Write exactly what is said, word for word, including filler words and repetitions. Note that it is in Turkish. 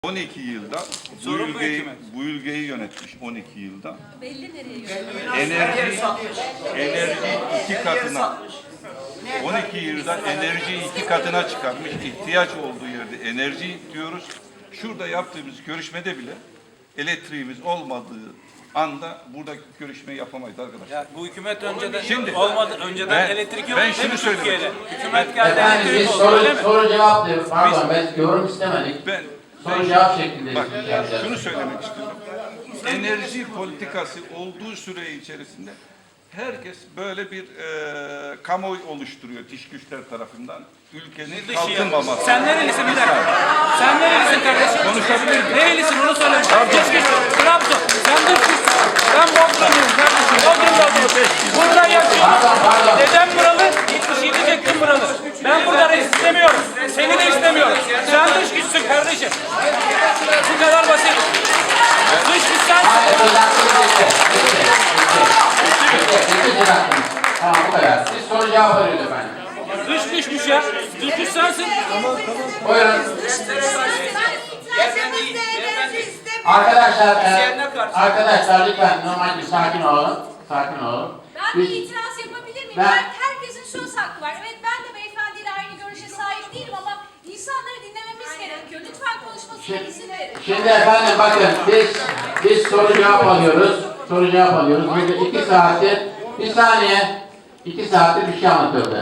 on iki yılda bu ülkeyi, bu ülkeyi yönetmiş on iki yılda. Belli nereye yönetmiş? Enerji, enerji iki katına, on iki yılda enerjiyi iki katına çıkarmış. İhtiyaç olduğu yerde enerji diyoruz. Şurada yaptığımız görüşmede bile elektriğimiz olmadığı anda burada görüşmeyi yapamayız arkadaşlar. Ya bu hükümet önceden Şimdi, olmadı, önceden ben, elektrik yok ben değil mi şunu Türkiye'de? söylüyorum. Hükümet geldi Efendim elektrik biz oldu soru, öyle mi? soru cevap diyoruz. Pardon ben yorum istemedik. Ben, Soru ben cevap şeklinde bak, yapacağız. şunu söylemek istiyorum. Enerji politikası olduğu süre içerisinde herkes böyle bir e, kamuoyu oluşturuyor dış güçler tarafından. Ülkenin kalkınmaması. Sen nerelisin bir dakika? Sen nerelisin kardeşim? Konuşabilir miyim? Nerelisin onu söyle. Keşke Trabzon. Sen dış güçsün. Ben Bodrumluyum kardeşim. Bodrum'da oturuyorum. Burada yaşıyorum. Dedem buralı. yetmiş yedi çektim buralı. Ben burada reis istemiyorum. Seni de istemiyorum. Sen dış güçsün kardeşim. Bu kadar basit. Dış güç sensin. Tamam bu kadar. Siz soru cevap arıyoruz efendim. Dış güçmüş ya. Dış güç sensin. Buyurun. Arkadaşlar, e, arkadaşlar lütfen normalde sakin olun. Sakin olun. Ben bir itiraz yapabilir miyim? Ben- Ben, herkesin söz hakkı var. Evet ben de beyefendiyle aynı görüşe sahip değilim ama insanları dinlememiz gerekiyor. Lütfen konuşmasına izin verin. Şimdi efendim bakın biz biz soru cevap alıyoruz. Soru cevap alıyoruz. Burada iki saattir bir saniye iki saattir bir şey anlatıyordu.